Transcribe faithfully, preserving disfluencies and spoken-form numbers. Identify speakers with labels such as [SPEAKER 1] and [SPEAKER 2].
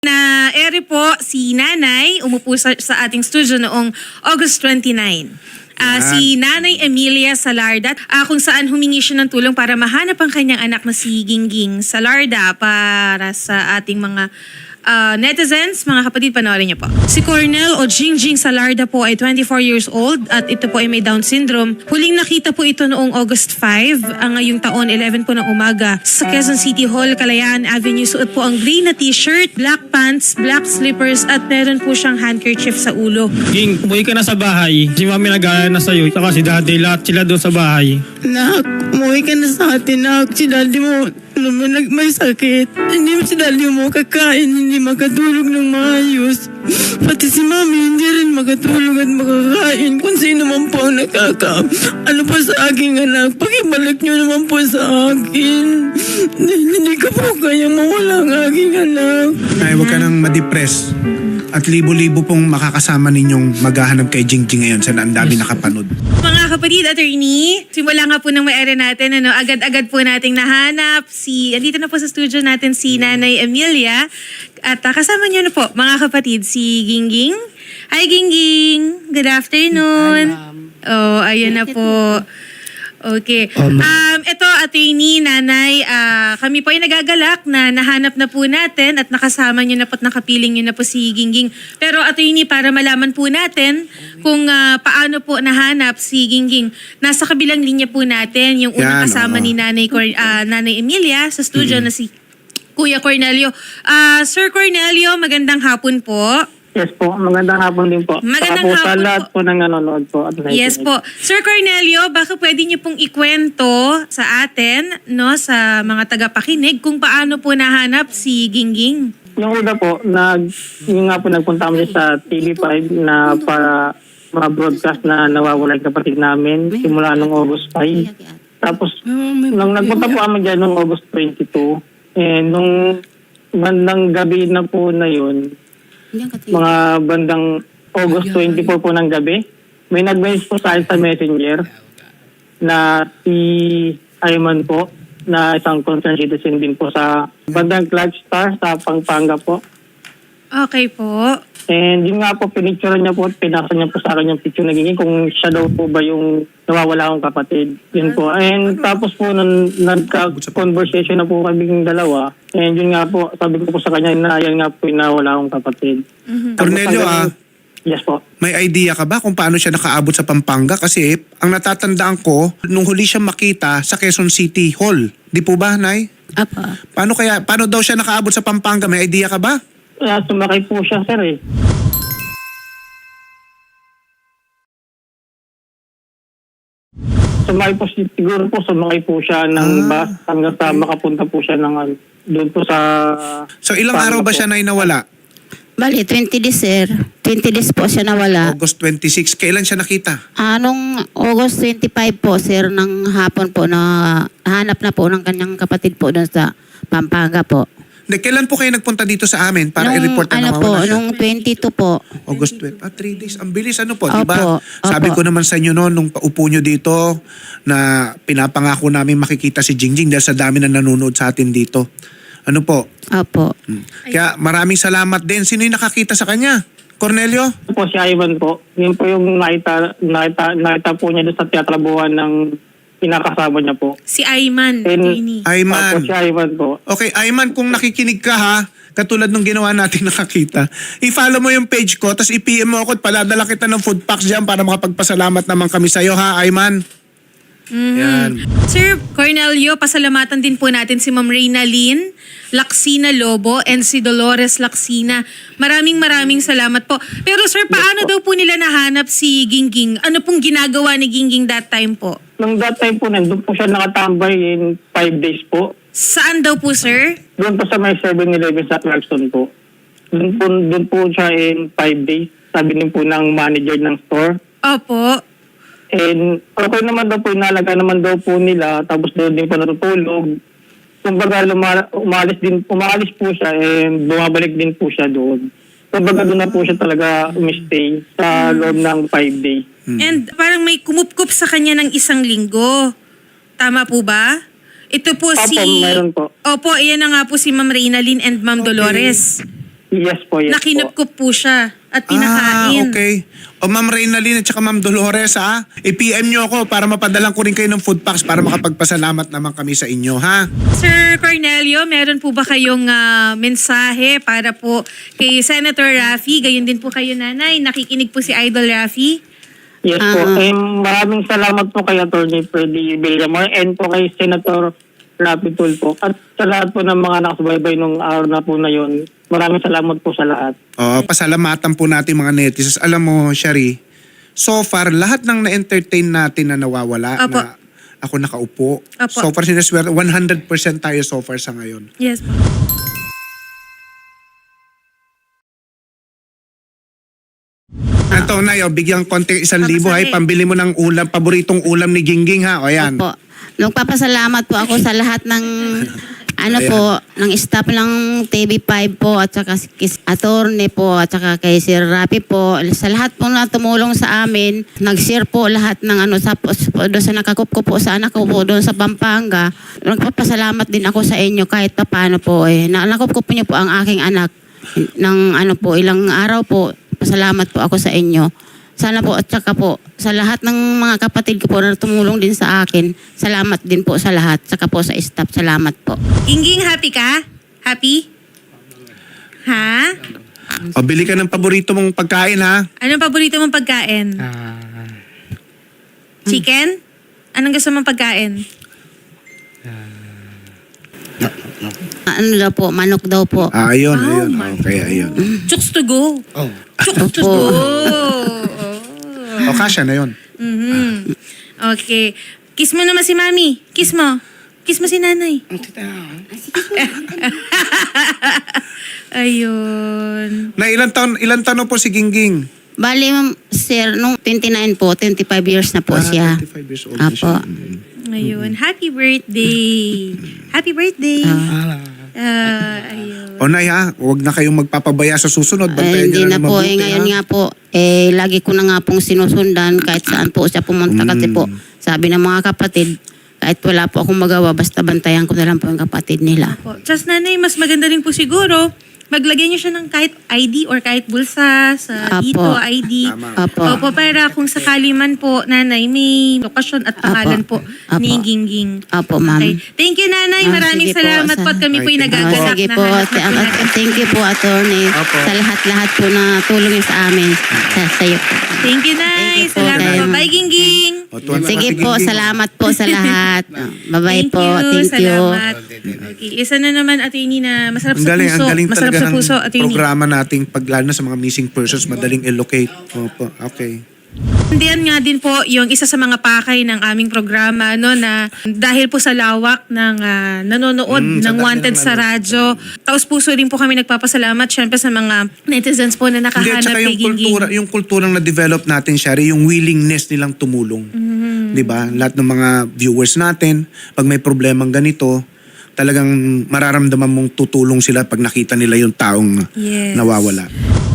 [SPEAKER 1] Na ere po si Nanay, umupo sa, sa ating studio noong August twenty-nine. Ah, si Nanay Emilia Salarda, ah, kung saan humingi siya ng tulong para mahanap ang kanyang anak na si Gingging Salarda para sa ating mga ah, netizens. Mga kapatid, panoorin niyo po. Si Cornel o Gingging Salarda po ay twenty-four years old at ito po ay may Down syndrome. Huling nakita po ito noong August five, ang ngayong taon, eleven po ng umaga sa Quezon City Hall, Kalayaan Avenue. Suot po ang gray na t-shirt, black pants, black slippers at meron po siyang handkerchief sa ulo.
[SPEAKER 2] Ging, umuwi ka na sa bahay. Si mami nag-aalala na sa'yo. Saka si daddy, lahat sila doon sa bahay.
[SPEAKER 3] Nak, umuwi ka na sa atin, nak. Si daddy mo, alam mo, nag- may sakit. Hindi mo si daddy mo kakain, hindi makatulog ng maayos. Pati si mami, hindi rin makatulog at makakain. Kung sino man po ang nakaka... Ano po sa aking anak, pakibalik niyo naman po sa akin. Hindi ko po kaya mawala ang aking anak.
[SPEAKER 4] Ay, huwag ka nang ma-depress. At libo-libo pong makakasama ninyong maghahanap kay Gingging ngayon sa ang dami nakapanood.
[SPEAKER 1] Mga kapatid, attorney, simula nga po ng may-ari natin, ano, agad-agad po nating nahanap si, andito na po sa studio natin si Nanay Emilia. At uh, kasama niyo na po, mga kapatid, si Gingging. Hi, Gingging! Good afternoon! Oh, ayun na po. Okay. Um, ito, attorney, nanay, ah, kami po ay nagagalak na nahanap na po natin at nakasama niyo na po at nakapiling niyo na po si Gingging. Pero attorney, para malaman po natin kung ah, paano po nahanap si Gingging, nasa kabilang linya po natin yung unang
[SPEAKER 4] Yan,
[SPEAKER 1] kasama
[SPEAKER 4] oo.
[SPEAKER 1] ni Nanay, Cor- ah, Nanay Emilia sa studio na si Kuya Cornelio. Ah, Sir Cornelio, magandang hapon po.
[SPEAKER 2] Yes po, magandang hapon din po.
[SPEAKER 1] Magandang
[SPEAKER 2] Saka po sa
[SPEAKER 1] hapon
[SPEAKER 2] lahat
[SPEAKER 1] po.
[SPEAKER 2] po ng nanonood po. At
[SPEAKER 1] Yes po. Sir Cornelio, baka pwede niyo pong ikwento sa atin, no, sa mga tagapakinig kung paano po nahanap si Gingging?
[SPEAKER 2] Yung una po, nag, yung nga po nagpunta kami sa T V five na para ma-broadcast na nawawala yung kapatid namin simula nung August five. Tapos, nung nagpunta po kami dyan nung August twenty-two, eh, nung bandang gabi na po na yun, mga bandang August twenty-four po ng gabi, may nag-message po sa akin sa Messenger na si Ayman po, na isang concerned citizen din po sa bandang Clark Star sa Pampanga po.
[SPEAKER 1] Okay po.
[SPEAKER 2] And yun nga po, pinicture niya po at pinasa niya po sa akin yung picture na Gingging kung siya daw po ba yung nawawala akong kapatid. Yun po. And tapos po, nung nagka-conversation na po kaming dalawa, and yun nga po, sabi ko po sa kanya na yan nga po yung nawawala akong kapatid.
[SPEAKER 1] Mm-hmm.
[SPEAKER 4] Cornelio, ah,
[SPEAKER 2] Yes po.
[SPEAKER 4] may idea ka ba kung paano siya nakaabot sa Pampanga? Kasi ang natatandaan ko, nung huli siya makita sa Quezon City Hall. Di po ba, Nay?
[SPEAKER 3] Apa.
[SPEAKER 4] Paano kaya, paano daw siya nakaabot sa Pampanga? May idea ka ba?
[SPEAKER 2] Kaya sumakay po siya, sir eh. Sumakay po, si- siguro po sumakay po siya ng bus hanggang sa makapunta po siya ng ano, doon po sa...
[SPEAKER 4] So ilang
[SPEAKER 2] Pampanga
[SPEAKER 4] araw ba
[SPEAKER 2] po.
[SPEAKER 4] siya, Nay, nawala?
[SPEAKER 3] Bali, twenty days, sir. twenty days po siya nawala.
[SPEAKER 4] August twenty-six. Kailan siya nakita?
[SPEAKER 3] Anong August twenty-five po, sir, ng hapon po na hanap na po ng kanyang kapatid po doon sa Pampanga po.
[SPEAKER 4] Hindi, kailan po kayo nagpunta dito sa amin para
[SPEAKER 3] Nung,
[SPEAKER 4] i-report na
[SPEAKER 3] ano po,
[SPEAKER 4] nawawala siya?
[SPEAKER 3] nung twenty-two po.
[SPEAKER 4] August twelve. Ah, three days. Ang bilis ano po,
[SPEAKER 3] Opo,
[SPEAKER 4] di ba?
[SPEAKER 3] opo.
[SPEAKER 4] Sabi ko naman sa inyo noon, nung paupo nyo dito, na pinapangako namin makikita si Gingging dahil sa dami na nanonood sa atin dito. Ano po?
[SPEAKER 3] Opo.
[SPEAKER 4] Hmm. Kaya maraming salamat din. Sino yung nakakita sa kanya? Cornelio?
[SPEAKER 2] Ito po si Ivan po. Yun po yung nakita, nakita, nakita po niya doon sa teatrabuhan ng pinakasama niya po.
[SPEAKER 1] Si Ayman,
[SPEAKER 2] And-
[SPEAKER 1] attorney.
[SPEAKER 4] Ayman.
[SPEAKER 2] Opo, si Ivan po.
[SPEAKER 4] Okay, Ayman, kung nakikinig ka ha, katulad nung ginawa natin nakakita, i-follow mo yung page ko, tapos i-P M mo ako at paladala kita ng food packs dyan para makapagpasalamat naman kami sa'yo ha, Ayman. Yan.
[SPEAKER 1] Sir Cornelio, pasalamatan din po natin si Ma'am Reyna Lynn Laksina Lobo and si Dolores Laksina. Maraming maraming salamat po. Pero sir, paano daw po nila nahanap si Gingging? Ano pong ginagawa ni Gingging that time po?
[SPEAKER 2] Nung that time po, nandun po siya nakatambay in five days po.
[SPEAKER 1] Saan daw po, sir?
[SPEAKER 2] Doon po sa may seven eleven sa Clarkson po. Doon po, doon po siya in five days. Sabi din po ng manager ng store.
[SPEAKER 1] Opo.
[SPEAKER 2] And okay naman daw po, inalaga naman daw po nila, tapos doon din po natutulog. Kumbaga luma- umalis din, umalis po siya and bumabalik din po siya doon. Kumbaga doon na po siya talaga umistay sa loob ng five days.
[SPEAKER 1] And parang may kumupkup sa kanya ng isang linggo. Tama po ba? Ito po
[SPEAKER 2] Opo,
[SPEAKER 1] si...
[SPEAKER 2] meron po.
[SPEAKER 1] Opo, iyan na nga po si Ma'am Reyna Lynn and Ma'am Dolores.
[SPEAKER 2] Yes po, yes po.
[SPEAKER 1] Nakinupkup po siya at pinakain.
[SPEAKER 4] Ah, okay. O Ma'am Reynalyn at saka Ma'am Dolores, ha? I-P M nyo ako para mapadalang ko rin kayo ng food packs para makapagpasalamat naman kami sa inyo, ha?
[SPEAKER 1] Sir Cornelio, meron po ba kayong ah, mensahe para po kay Senator Raffy? Gayon din po kayo, nanay. Nakikinig po si Idol Raffy.
[SPEAKER 2] Yes po.
[SPEAKER 3] Ah.
[SPEAKER 2] Eh, maraming salamat po kay Attorney Freddy Villamor and po kay Senator Raffy Tulfo. At sa lahat po ng mga nakasubaybay nung araw na po na yun, maraming salamat po sa lahat.
[SPEAKER 4] Oo, pasalamatan po natin mga netizens. Alam mo, Shari, so far, lahat ng na-entertain natin na nawawala,
[SPEAKER 1] Apo.
[SPEAKER 4] na ako nakaupo.
[SPEAKER 1] Apo.
[SPEAKER 4] So far, sinaswerte, one hundred percent tayo so far sa ngayon.
[SPEAKER 1] Yes po.
[SPEAKER 4] Ito na yun, bigyan konti isang
[SPEAKER 1] Pamasahe.
[SPEAKER 4] libo, ay pambili mo ng ulam, paboritong ulam ni Gingging, ha? O yan.
[SPEAKER 3] Opo. Nagpapasalamat po ako sa lahat ng ano
[SPEAKER 4] Ayan.
[SPEAKER 3] po, ng staff ng T V five po at saka si Kis Attorney po at saka kay Sir Rapi po. Sa lahat po na tumulong sa amin, nag-share po lahat ng ano sa, doon sa nakakup ko po sa anak ko po doon sa Pampanga. Nagpapasalamat din ako sa inyo kahit pa paano po eh. Na, nakup ko po niyo po ang aking anak ng ano po, ilang araw po. Pasalamat po ako sa inyo. Sana po at saka po sa lahat ng mga kapatid ko po na tumulong din sa akin. Salamat din po sa lahat. Saka po sa staff. Salamat po.
[SPEAKER 1] Gingging, happy ka? Happy? Ha?
[SPEAKER 4] O, bili ka ng paborito mong pagkain, ha?
[SPEAKER 1] Anong paborito mong pagkain? Chicken? Anong gusto mong pagkain?
[SPEAKER 3] Ano daw po, manok daw po.
[SPEAKER 4] Ah, ayun,
[SPEAKER 1] Oh
[SPEAKER 4] ayun.
[SPEAKER 1] my
[SPEAKER 4] Okay, ayun.
[SPEAKER 1] Chooks to go.
[SPEAKER 4] Oh.
[SPEAKER 1] Chooks to
[SPEAKER 3] Opo.
[SPEAKER 1] go.
[SPEAKER 4] O, kasya na yun.
[SPEAKER 1] Mhm. Okay. Kiss mo naman si mami. Kiss mo. Kiss mo si nanay. Ayun.
[SPEAKER 4] Na ilang taon, ilang taon na po si Gingging?
[SPEAKER 3] Bali, ma'am, sir, nung twenty-nine po, twenty-five years na po
[SPEAKER 4] Ah,
[SPEAKER 3] siya.
[SPEAKER 4] twenty-five years old na
[SPEAKER 3] Apo.
[SPEAKER 4] siya. Mm.
[SPEAKER 1] Ayun. Happy birthday. Happy birthday. Ah, ayun.
[SPEAKER 4] O Nay, ha? Huwag na kayong magpapabaya sa susunod.
[SPEAKER 3] Ay,
[SPEAKER 4] Bantayan
[SPEAKER 3] hindi
[SPEAKER 4] niyo
[SPEAKER 3] na
[SPEAKER 4] na
[SPEAKER 3] po.
[SPEAKER 4] mabuti,
[SPEAKER 3] Eh, ngayon
[SPEAKER 4] ha?
[SPEAKER 3] nga po, eh, lagi ko na nga pong sinusundan kahit saan po siya pumunta. Kasi po, sabi ng mga kapatid, kahit wala po akong magawa, basta bantayan ko na lang po yung kapatid nila.
[SPEAKER 1] Po. Just nanay, mas maganda rin po siguro, maglagay niyo siya ng kahit I D or kahit bulsa sa
[SPEAKER 3] Apo.
[SPEAKER 1] dito, I D.
[SPEAKER 4] Tama.
[SPEAKER 3] Apo.
[SPEAKER 1] Opo, para kung sakali man po, nanay, may lokasyon at pangalan po
[SPEAKER 3] Apo.
[SPEAKER 1] ni Gingging.
[SPEAKER 3] Apo, ma'am.
[SPEAKER 1] Okay. Thank you, nanay.
[SPEAKER 3] Ah,
[SPEAKER 1] Maraming
[SPEAKER 3] sige po,
[SPEAKER 1] salamat po.
[SPEAKER 3] sa-
[SPEAKER 1] At kami po'y
[SPEAKER 4] Ay, thank you.
[SPEAKER 3] Ah,
[SPEAKER 1] nagagalak
[SPEAKER 3] sige
[SPEAKER 1] na
[SPEAKER 3] po.
[SPEAKER 1] hanap
[SPEAKER 3] T-
[SPEAKER 1] na
[SPEAKER 3] at-
[SPEAKER 1] pinag-
[SPEAKER 3] thank you po, attorney.
[SPEAKER 4] Apo.
[SPEAKER 3] Sa lahat-lahat po na tulong niyo sa amin. Sa, sa iyo po.
[SPEAKER 1] Thank you, nay.
[SPEAKER 3] Thank you po,
[SPEAKER 1] Salamat po.
[SPEAKER 3] kayo.
[SPEAKER 1] Bye, Gingging.
[SPEAKER 4] O, tuwan na
[SPEAKER 3] Sige
[SPEAKER 4] si
[SPEAKER 3] po,
[SPEAKER 4] Gingging.
[SPEAKER 3] salamat po sa lahat. Ah, Bye-bye
[SPEAKER 1] Thank
[SPEAKER 3] po.
[SPEAKER 1] you.
[SPEAKER 3] Thank you.
[SPEAKER 1] Salamat. Okay. Isa na naman, attorney, na masarap
[SPEAKER 4] Ang
[SPEAKER 1] sa
[SPEAKER 4] galing,
[SPEAKER 1] puso.
[SPEAKER 4] ang galing
[SPEAKER 1] Masarap
[SPEAKER 4] talaga
[SPEAKER 1] sa
[SPEAKER 4] ng
[SPEAKER 1] puso, attorney.
[SPEAKER 4] programa nating paglalo na sa mga missing persons, madaling illocate. Opo, okay.
[SPEAKER 1] Diyan nga din po yung isa sa mga pakay ng aming programa no na dahil po sa lawak ng ah, nanonood
[SPEAKER 4] Mm, sa
[SPEAKER 1] ng
[SPEAKER 4] dami
[SPEAKER 1] Wanted
[SPEAKER 4] ng
[SPEAKER 1] sa radyo. Taos puso rin po kami nagpapasalamat syempre sa mga netizens po na
[SPEAKER 4] Hindi, at
[SPEAKER 1] nakahanap
[SPEAKER 4] saka
[SPEAKER 1] kay
[SPEAKER 4] yung kultura,
[SPEAKER 1] Gingging.
[SPEAKER 4] yung kulturang na-develop natin, Shari, yung willingness nilang tumulong.
[SPEAKER 1] Mm-hmm.
[SPEAKER 4] Di ba? Lahat ng mga viewers natin, pag may problemang ganito, talagang mararamdaman mong tutulong sila pag nakita nila yung taong
[SPEAKER 1] Yes.
[SPEAKER 4] nawawala.